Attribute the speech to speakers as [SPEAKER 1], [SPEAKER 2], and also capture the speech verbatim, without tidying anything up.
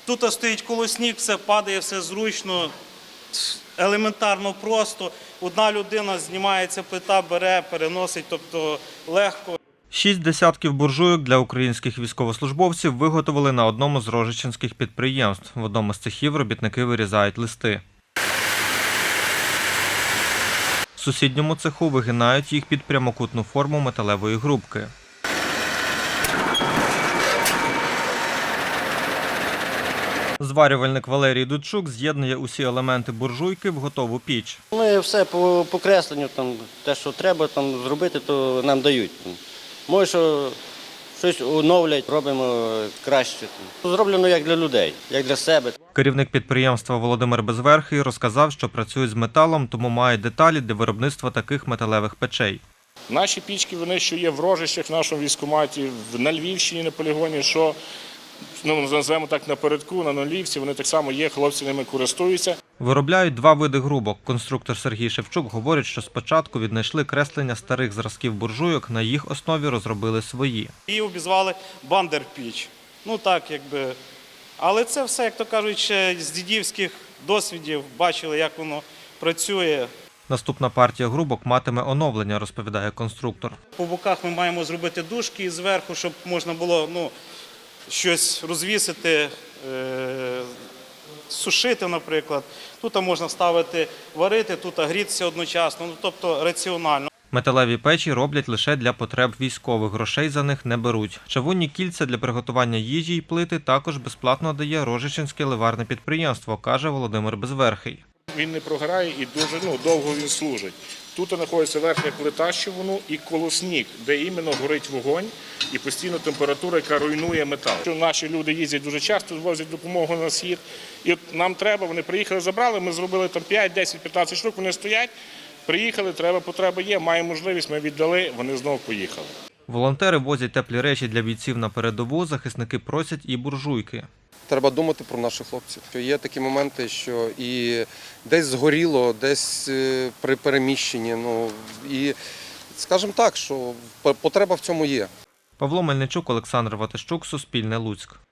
[SPEAKER 1] Тут стоїть колосник, все падає, все зручно, елементарно просто. Одна людина знімається, плита бере, переносить, тобто легко.
[SPEAKER 2] Шість десятків буржуйок для українських військовослужбовців виготовили на одному з рожичинських підприємств. В одному з цехів робітники вирізають листи. В сусідньому цеху вигинають їх під прямокутну форму металевої грубки. Зварювальник Валерій Дудчук з'єднує усі елементи буржуйки в готову піч.
[SPEAKER 3] Ми все по покресленню, там, те, що треба там, зробити, то нам дають. Може, що щось оновлять, робимо краще. Зроблено як для людей, як для себе.
[SPEAKER 2] Керівник підприємства Володимир Безверхий розказав, що працюють з металом, тому мають деталі для виробництва таких металевих печей.
[SPEAKER 4] Наші пічки, вони що є в Рожищах, в нашому військкоматі, на Львівщині на полігоні, що, ну, називаємо так, напередку, на Нулівці, вони так само є, хлопці ними користуються.
[SPEAKER 2] Виробляють два види грубок. Конструктор Сергій Шевчук говорить, що спочатку віднайшли креслення старих зразків буржуйок, на їх основі розробили свої.
[SPEAKER 1] Її обізвали бандер-піч. Ну так, якби. Але це все, як то кажуть, ще з дідівських досвідів бачили, як воно працює.
[SPEAKER 2] Наступна партія грубок матиме оновлення, розповідає конструктор.
[SPEAKER 1] По боках ми маємо зробити дужки і зверху, щоб можна було, ну, щось розвісити, е сушити, наприклад. Тут можна ставити варити, тут грітися одночасно, ну, тобто раціонально.
[SPEAKER 2] Металеві печі роблять лише для потреб військових, грошей за них не беруть. Чавунні кільця для приготування їжі й плити також безплатно дає Рожичинське ливарне підприємство, каже Володимир Безверхий.
[SPEAKER 4] Він не програє і дуже ну, довго він служить. Тут знаходиться верхня плита, що воно, і колосник, де іменно горить вогонь і постійно температура, яка руйнує метал. Наші люди їздять дуже часто, возять допомогу на схід. І от нам треба, вони приїхали, забрали, ми зробили там п'ять, десять, п'ятнадцять штук, вони стоять, приїхали, треба, потреба є, маємо можливість, ми віддали, вони знову поїхали.
[SPEAKER 2] Волонтери возять теплі речі для бійців на передову, захисники просять і буржуйки.
[SPEAKER 5] Треба думати про наших хлопців. Є такі моменти, що і десь згоріло, десь при переміщенні. Ну, і, скажімо так, що потреба в цьому є.
[SPEAKER 2] Павло Мельничук, Олександр Ватащук, Суспільне, Луцьк.